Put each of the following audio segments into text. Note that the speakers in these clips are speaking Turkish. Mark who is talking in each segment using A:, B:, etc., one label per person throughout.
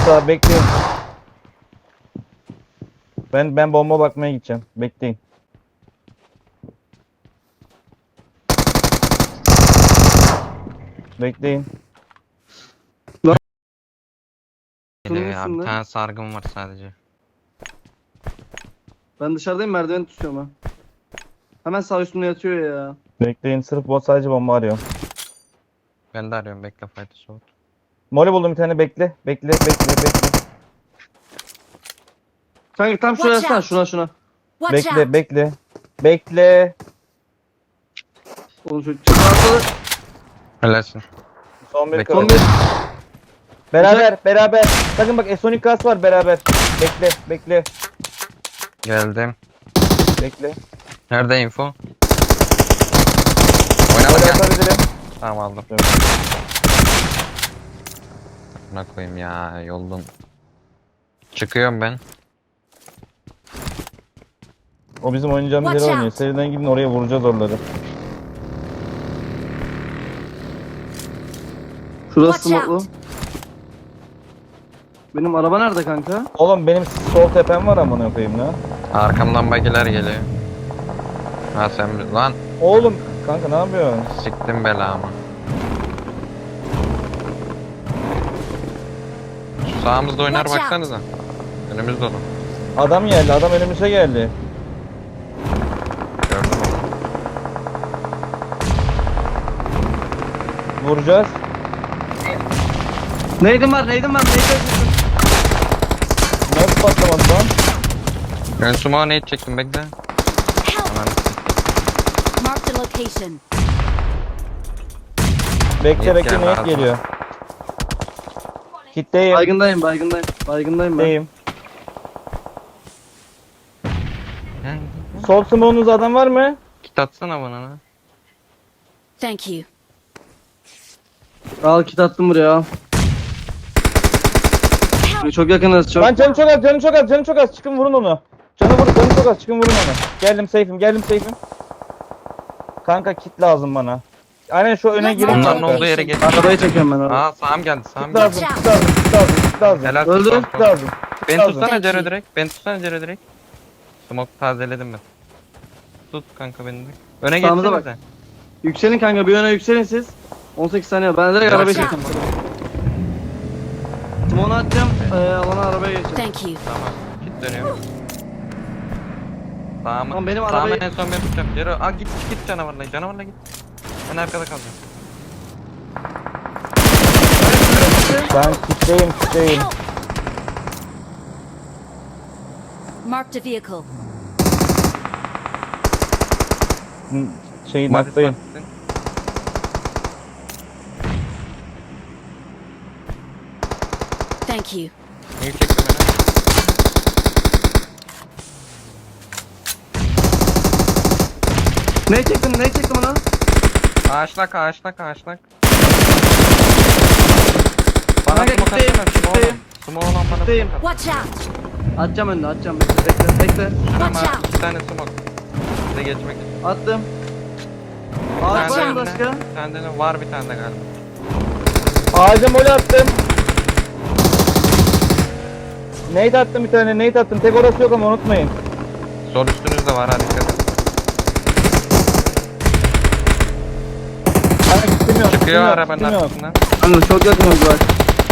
A: daha bekleyin. Ben bomba bakmaya gideceğim. Bekleyin. Bekleyin.
B: Geliyor ya.
C: Kırmızısın
B: Bir
C: lan.
B: tane sargım var sadece.
C: Ben dışarıdayım, merdiveni tutuyorum ha. Hemen sağ üstümde yatıyor ya.
A: Bekleyin. Sırf bot sadece bomba arıyor.
B: Ben de arıyorum, bekle fight'ı soğut.
A: Moli buldum bir tane, bekle. Bekle.
C: Kanka tam şuraya
D: Watch
C: yatsana,
D: out.
C: şuna.
D: Watch
A: Bekle,
D: out!
A: bekle. Bekle.
C: Oğlum şu çıkartı.
B: Helalsin.
A: Son bir
B: Bekle.
C: Son
A: kaldı.
C: bir.
A: Beraber. Sakın bak, Sonic Gas var beraber. Bekle.
B: Geldim.
A: Bekle.
B: Nerede info?
A: Moli
B: Oynadık ya.
A: atabilirim.
B: Tamam aldım.
A: Evet.
B: Buna koyayım ya yoldan. Çıkıyorum ben.
A: O bizim oynayacağımız
D: Watch
A: yere oynuyor.
D: out.
A: Seriden gidin, oraya vuracağız oraları.
C: Şurası
D: Watch
C: smoklu.
D: out.
C: Benim araba nerede kanka?
A: Oğlum benim sol tepem var amına koyayım lan.
B: Arkamdan bagiler geliyor. Ha sen lan
A: Oğlum kanka ne yapıyorsun?
B: siktim belamı. Şu sağımızda oynar
D: Watch out.
B: baksanıza. Önümüz dolu.
A: Adam geldi, adam önümüze geldi.
B: Gördüm onu.
A: Vuracağız.
C: Neydim var.
A: Nasıl patlamadı lan?
B: Ben sumo nade çektim bekle.
D: Help!
B: Hemen
D: Marked a location.
A: Bekle
B: Net geldi
A: net
B: ağzıma.
A: geliyor. Kitleyim.
C: Baygındayım ben.
A: Kitleyim. Sol smoke'unuz adam var mı?
B: Kit atsana bana lan.
D: Thank you.
C: Al kit attım buraya al. Çok yakınız çok.
A: Lan canı çok az. Çıkın vurun onu. Canı çok az. Çıkın vurun onu. Geldim safe'im. Kanka kit lazım bana. Aynen şu öne girin
B: Onların
A: kanka.
B: olduğu yere geç.
C: Arabayı çekiyorum ben abi.
B: Aa sağım geldi sağım
A: Kit
B: geldi.
A: lazım. Kit lazım.
B: Helal
C: Öldü.
B: olsun.
A: Kit lazım.
B: Beni
A: lazım.
B: tutsana Cero
D: Thank you.
B: direkt. Beni tutsana Cero direkt. Smoke tazeledim ben. Tut kanka beni de. Öne
C: Sağımıza
B: geçsene
C: bak. Yükselin kanka, bir öne yükselin siz. 18 saniye. Ben direkt arabayı
D: Watch
C: çekeceğim. Timonu atacağım. Alana arabaya geçeceğim.
D: Thank you.
B: Tamam. Git dönüyor. Sağıma.
C: Tamam, benim
B: Sağıma
C: arabayı-
B: en son ben tutacağım. Cero. Aa git canavarla. Canavarla git. Ben arkada kalacağım.
A: Ben kitleyim.
D: Help! Marked a vehicle.
A: Şeyin
B: Madis
A: hattayım.
B: basitsin.
D: Thank you.
B: İyi çektim beni.
C: Ne çektim ona?
B: Ağaçlak. Bana
C: Kanka,
B: smoke
C: kitleyim,
B: atsana. Smoke olan.
C: kitleyim.
B: Smoke olan bana
C: Kitleyim.
B: smoke at.
D: Watch out!
C: Atacağım önüne. Bekle.
D: Watch
B: Ama
D: out!
B: 2 tane smoke. Size geçmek için.
C: Attım.
B: Bir
C: Ağaç
B: tane
C: var mı
B: de
C: başka?
B: önüne. Bir tane de var bir tane de galiba.
A: Ağaca moli attım. Nade attım bir tane. Tek orası yok ama unutmayın.
B: Sol üstünüzde var hadi dikkat et.
A: Kanka kitim yok.
B: Çıkıyor arabanın
A: kitim yok.
B: arkasından.
C: Kanka çok yakınız bak.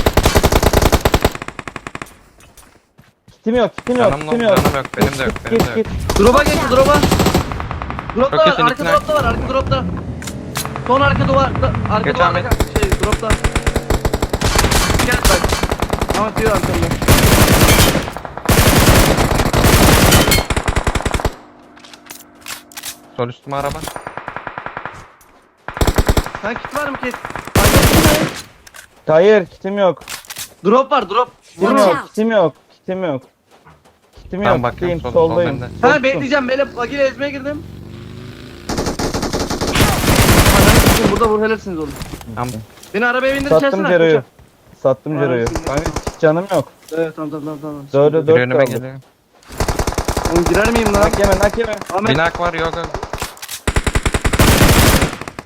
A: Kitim yok.
B: Canım yok, benim de yok, benim de yok.
C: Drop'a geçti, drop'a. Drop'ta
B: Çok
C: var,
B: kesin
C: arka
B: ikna.
C: drop'ta var, arka drop'ta. Son arka duvar, arka
B: Geç
C: duvar,
B: Ahmet.
C: drop'ta. Gel bak. Ahmet diyor arkamda.
B: Sol üstüme araba.
C: Sen kit var mı kit?
A: Hayır kitim yok.
C: Drop var, drop.
A: Kitim
D: Watch
A: yok.
D: out.
A: Kitim
B: Tamam
A: yok.
B: bakıyorum
A: Kitleyim,
B: sol
A: soldayım.
B: bende.
C: Ha bekleyeceğim, böyle bagiyle ezmeye girdim. Ananı sikeyim, burada vur helalsiniz oğlum.
B: Tamam.
C: Beni arabaya bindir,
A: Sattım
C: içerisine.
A: Cero'yu. Sattım
C: Var
A: Cero'yu.
C: mısın?
A: Kanka canım yok.
C: Evet tamam.
A: Dördü
B: Bir
A: 4
B: önüme
A: kaldı.
B: geliyor.
C: Oğlum girer miyim lan?
A: Nak yeme.
C: Ahmet.
B: Binak var yok.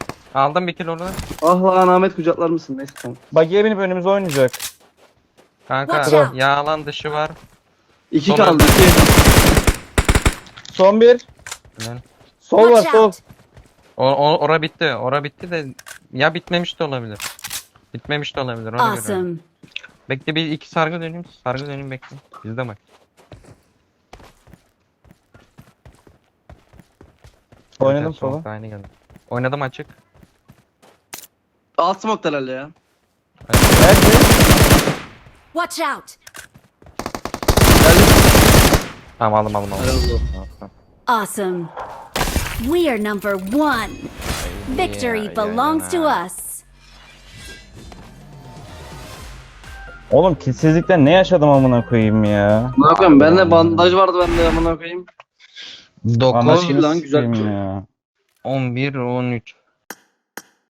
B: Aldım bir kilo oradan.
C: Ah lan Ahmet, kucaklar mısın? Neyse tamam.
A: Bagiye binip önümüze oynayacak.
B: Kanka
D: Watch out.
B: yağlan dışı var.
C: 2
B: Sol
C: kaldı. 2.
A: Son bir.
B: Lan.
A: Sol var
D: Watch
A: sol.
D: out.
B: Ora bitti. Ora bitti de ya bitmemiş de olabilir. Bitmemiş de olabilir. Ona göre.
D: Awesome.
B: Bekle bir iki sargı döneyim. Sargı döneyim bekle. Bizde bak.
A: Oynadım
B: Sola.
A: sola.
B: Aynı geldi. Oynadım açık.
C: Alt smoke herhalde ya.
A: Nerede?
D: Watch out.
C: Geldim.
B: Tamam aldım.
C: Helal olsun.
B: Tamam.
D: Awesome. We are number one. Victory
B: ya,
D: belongs to
B: ya.
D: us.
A: Oğlum kitsizlikten ne yaşadım amına koyayım ya.
C: Ne yapayım? Bende bandaj vardı bende amına koyayım.
B: 9,
C: lan, güzel bir şey.
A: ya.
B: 11, 13.